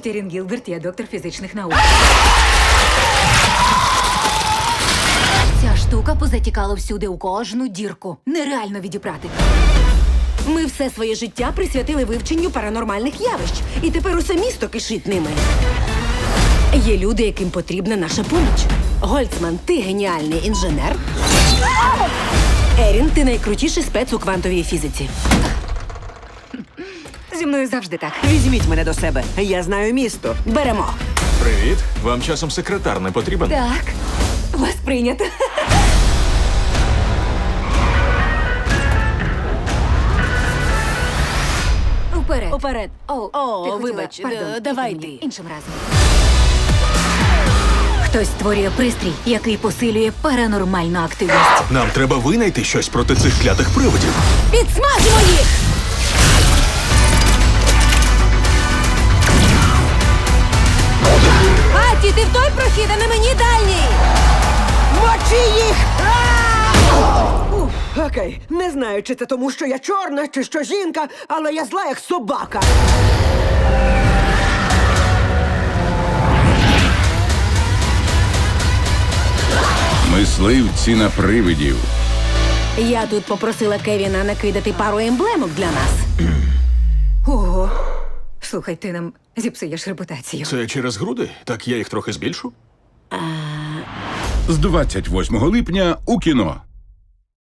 Ерін Гілберт, я доктор фізичних наук. Ця штука позатікала всюди, у кожну дірку. Нереально відібрати. Ми все своє життя присвятили вивченню паранормальних явищ. І тепер усе місто кишить ними. Є люди, яким потрібна наша поміч. Гольцман, ти геніальний інженер. Ерін, ти найкрутіший спец у квантовій фізиці. Зі мною завжди так. Візьміть мене до себе. Я знаю місто. Беремо. Привіт. Вам часом секретар не потрібен? Так, вас прийнято. Уперед. Уперед. О, О, вибач, давай ти. Іншим разом. Хтось створює пристрій, який посилює паранормальну активність. Нам треба винайти щось проти цих клятих привидів. Підсмажимо їх! Аті, ти в той прохід, а не мені дальній! Мочи їх! Окей, не знаю, чи це тому, що я чорна, чи що жінка, але я зла, як собака. Мисливці на привидів. Я тут попросила Кевіна накидати пару емблемок для нас. Ого. Слухай, ти нам зіпсуєш репутацію. Це через груди? Так я їх трохи збільшу? З 28 липня у кіно.